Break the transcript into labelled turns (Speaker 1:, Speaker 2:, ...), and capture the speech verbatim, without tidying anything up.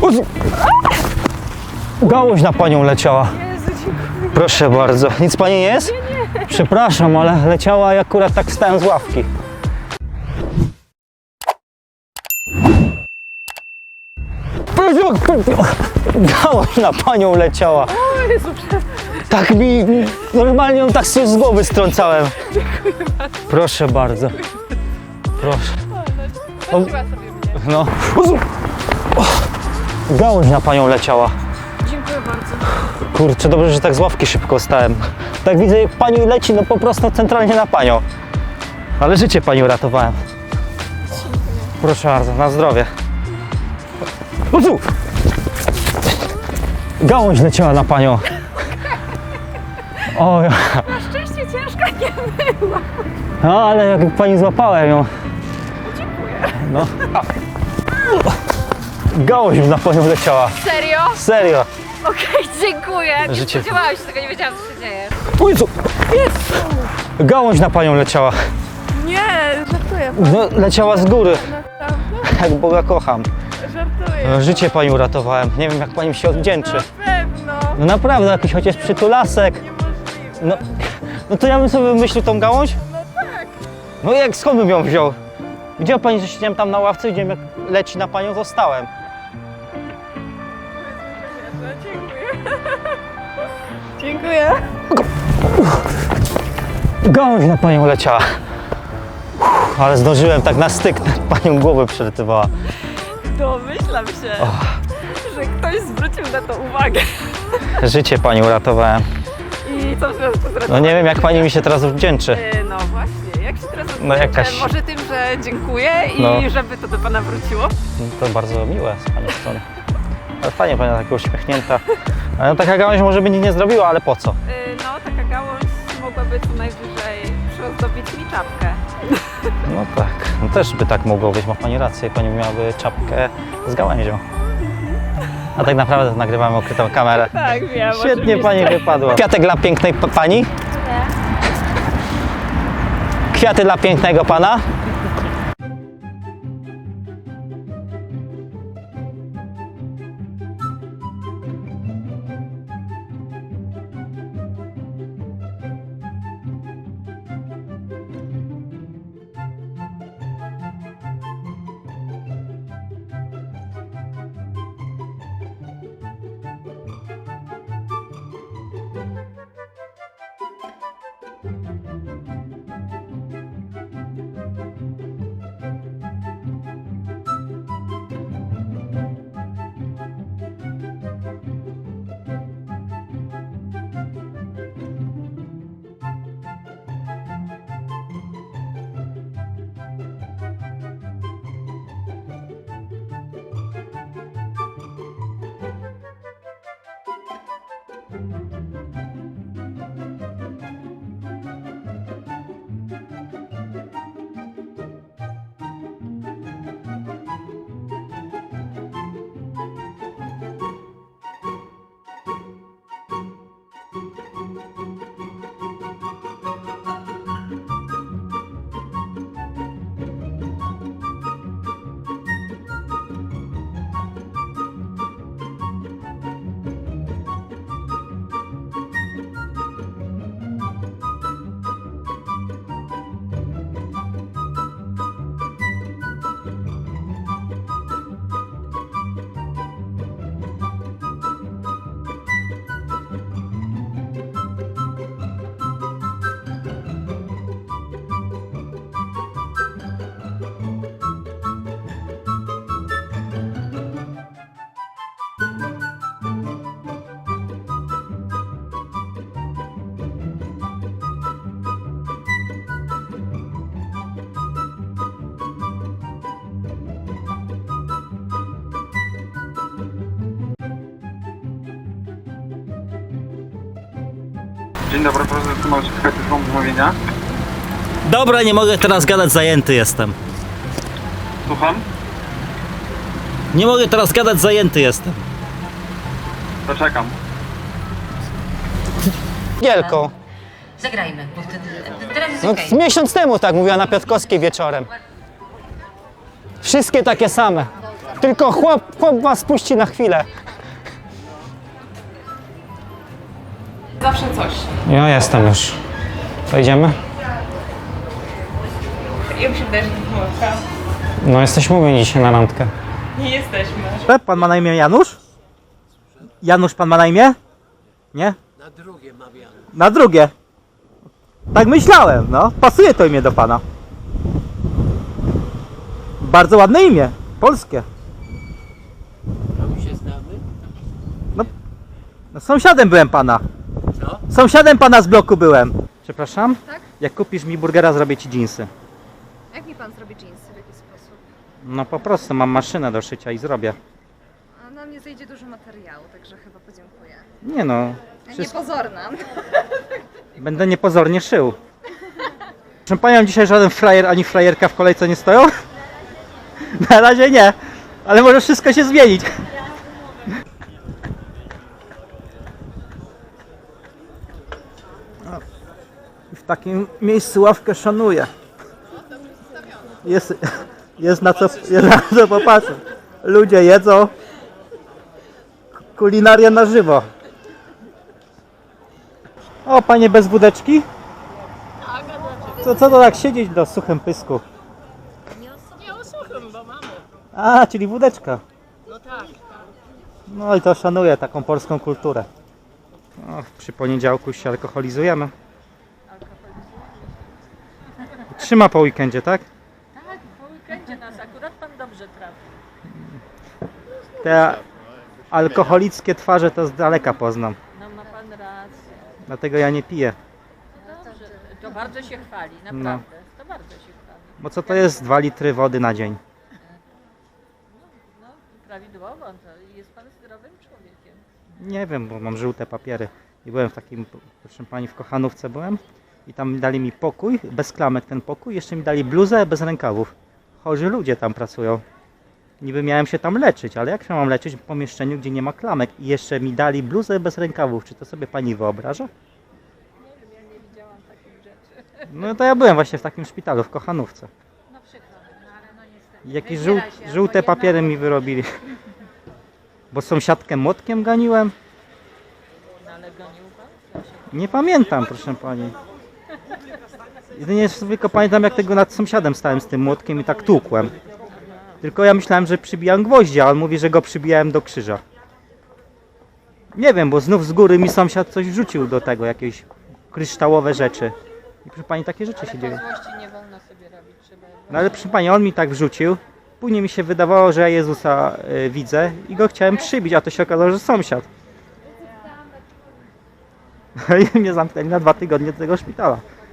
Speaker 1: Gałąź na panią leciała.
Speaker 2: Jezu, dziękuję.
Speaker 1: Proszę bardzo. Nic pani nie jest?
Speaker 2: Nie, nie.
Speaker 1: Przepraszam, ale leciała i akurat tak wstałem z ławki. Gałąź na panią leciała.
Speaker 2: O Jezu, przepraszam.
Speaker 1: Tak mi, normalnie ją tak z głowy strącałem. Proszę bardzo. Proszę.
Speaker 2: Zobaczyła sobie mnie.
Speaker 1: No. Gałąź na panią leciała.
Speaker 2: Dziękuję bardzo.
Speaker 1: Kurczę, dobrze, że tak z ławki szybko stałem. Tak widzę, jak pani leci, no po prostu centralnie na panią. Ale życie pani uratowałem. Proszę bardzo, na zdrowie. Uzu! Gałąź leciała na panią. O, ja.
Speaker 2: Na szczęście ciężka nie była.
Speaker 1: No, ale jak pani złapałem ją.
Speaker 2: Dziękuję.
Speaker 1: No. Gałąź na panią leciała.
Speaker 2: Serio?
Speaker 1: Serio.
Speaker 2: Okej, dziękuję. Nie
Speaker 1: Życie.
Speaker 2: spodziewałam się tego, nie wiedziałam, co się dzieje.
Speaker 1: Uzu! Gałąź na panią leciała.
Speaker 2: Nie, żartuję.
Speaker 1: No, leciała z góry.
Speaker 2: Naprawdę,
Speaker 1: Jak Boga kocham.
Speaker 2: żartuję.
Speaker 1: No, życie pani uratowałem. Nie wiem, jak pani mi się odwdzięczy.
Speaker 2: Na pewno.
Speaker 1: No naprawdę, jakiś chociaż przytulasek.
Speaker 2: Niemożliwe.
Speaker 1: No, no to ja bym sobie wymyślił tą gałąź?
Speaker 2: No tak.
Speaker 1: No jak, skąd bym ją wziął? Widziała pani, że siedziałem tam na ławce, widziałem, jak leci na panią, zostałem.
Speaker 2: Dziękuję. Dziękuję.
Speaker 1: Gałąź na panią leciała. Uff, ale zdążyłem tak na styk, panią głowę przerytywała.
Speaker 2: Domyślam się, że ktoś zwrócił na to uwagę.
Speaker 1: Życie pani uratowałem.
Speaker 2: I co w związku z
Speaker 1: No
Speaker 2: radością?
Speaker 1: nie wiem, jak pani mi się teraz odwdzięczy.
Speaker 2: E, No właśnie, jak się teraz
Speaker 1: No
Speaker 2: odwdzięczę?
Speaker 1: jakaś-
Speaker 2: Może tym, że dziękuję i
Speaker 1: No.
Speaker 2: żeby to do pana wróciło?
Speaker 1: To bardzo miłe z pani strony. Ale fajnie, pani taka uśmiechnięta. No, taka gałąź może by nic nie zrobiła, ale po co?
Speaker 2: E, No, taka gałąź mogłaby co najwyżej przyozdobić mi czapkę.
Speaker 1: No tak, no też by tak mogło być, ma pani rację, pani miałaby czapkę z gałęzią. A tak naprawdę to nagrywamy ukrytą kamerę.
Speaker 2: Tak, wiem.
Speaker 1: Świetnie pani wypadła. Kwiatek dla pięknej pa- pani? Kwiaty dla pięknego pana?
Speaker 3: Dzień dobry, proszę zatrzymać się z zamówienia.
Speaker 1: Dobra, nie mogę teraz gadać, zajęty jestem.
Speaker 3: Słucham?
Speaker 1: Nie mogę teraz gadać, zajęty jestem.
Speaker 3: To czekam.
Speaker 1: Gielką.
Speaker 4: Zagrajmy, bo wtedy teraz jest
Speaker 1: No,
Speaker 4: okej.
Speaker 1: z miesiąc temu tak mówiła na Piotrkowskiej wieczorem. Wszystkie takie same. Tylko chłop, chłop was puści na chwilę.
Speaker 2: Zawsze coś.
Speaker 1: Ja jestem już. To idziemy?
Speaker 2: Ja mi się wydaje, że to pomyłka.
Speaker 1: No jesteśmy umówieni dzisiaj na randkę.
Speaker 2: Nie jesteśmy.
Speaker 5: Pan ma na imię Janusz? Janusz pan ma na imię? Nie? Na drugie mam Janusz. Na drugie? Tak myślałem, no. Pasuje to imię do pana. Bardzo ładne imię. Polskie.
Speaker 6: A my się znamy?
Speaker 5: No, sąsiadem byłem pana.
Speaker 6: Co?
Speaker 5: Sąsiadem pana z bloku byłem. Przepraszam? Tak? Jak kupisz mi burgera, zrobię ci dżinsy.
Speaker 7: Jak mi pan zrobi dżinsy? W jaki sposób?
Speaker 5: No po prostu, mam maszynę do szycia i zrobię.
Speaker 7: A na mnie zejdzie dużo materiału, także chyba podziękuję.
Speaker 5: Nie no.
Speaker 7: Ja
Speaker 5: Wszystko...
Speaker 7: niepozorna.
Speaker 5: Będę niepozornie szył. Proszę panią, dzisiaj żaden frajer ani frajerka w kolejce nie stoją? Na razie nie, ale może wszystko się zmienić. W takim miejscu ławkę szanuję. Jest, jest, na co, jest na co popatrzeć. Ludzie jedzą. Kulinaria na żywo. O, panie bez wódeczki? Co, co to tak siedzieć do suchym pysku?
Speaker 2: Nie osłucham, bo mamy.
Speaker 5: A, czyli wódeczka.
Speaker 2: No tak.
Speaker 5: No i to szanuję taką polską kulturę. O, przy poniedziałku się alkoholizujemy. Trzyma po weekendzie, tak?
Speaker 2: Tak, po weekendzie nas akurat pan dobrze trafi.
Speaker 5: Te alkoholickie twarze to z daleka poznam.
Speaker 2: No ma pan rację.
Speaker 5: Dlatego ja nie piję.
Speaker 2: Dobrze. To bardzo się chwali,
Speaker 5: No.
Speaker 2: naprawdę. To bardzo się chwali.
Speaker 5: Bo co to jest dwa litry wody na dzień?
Speaker 2: No, prawidłowo, to jest pan zdrowym człowiekiem.
Speaker 5: Nie wiem, bo mam żółte papiery. I byłem w takim, proszę pani, w Kochanówce byłem. I tam dali mi pokój, bez klamek ten pokój. Jeszcze mi dali bluzę bez rękawów. Chorzy ludzie tam pracują. Niby miałem się tam leczyć, ale jak się mam leczyć w pomieszczeniu, gdzie nie ma klamek? I jeszcze mi dali bluzę bez rękawów. Czy to sobie pani wyobraża?
Speaker 2: Nie wiem, ja nie widziałam takich rzeczy.
Speaker 5: No to ja byłem właśnie w takim szpitalu w Kochanówce.
Speaker 2: No przykro mi, no ale no niestety.
Speaker 5: I jakieś
Speaker 2: Wybiera
Speaker 5: żół,
Speaker 2: się albo
Speaker 5: żółte
Speaker 2: jedna,
Speaker 5: papiery
Speaker 2: albo
Speaker 5: mi wyrobili. Bo sąsiadkę młotkiem ganiłem?
Speaker 2: No ale gonił pan?
Speaker 5: Nie pamiętam, proszę pani. Jedynie tylko pamiętam, jak tego nad sąsiadem stałem z tym młotkiem i tak tłukłem. Tylko ja myślałem, że przybijam gwoździa, a on mówi, że go przybijałem do krzyża. Nie wiem, bo znów z góry mi sąsiad coś wrzucił do tego, jakieś kryształowe rzeczy. I proszę pani, takie rzeczy się dzieją.
Speaker 2: Złości nie wolno sobie robić, trzeba...
Speaker 5: No ale proszę pani, on mi tak wrzucił. Później mi się wydawało, że ja Jezusa y, widzę i go chciałem przybić, a to się okazało, że sąsiad. I mnie zamknęli na dwa tygodnie do tego szpitala.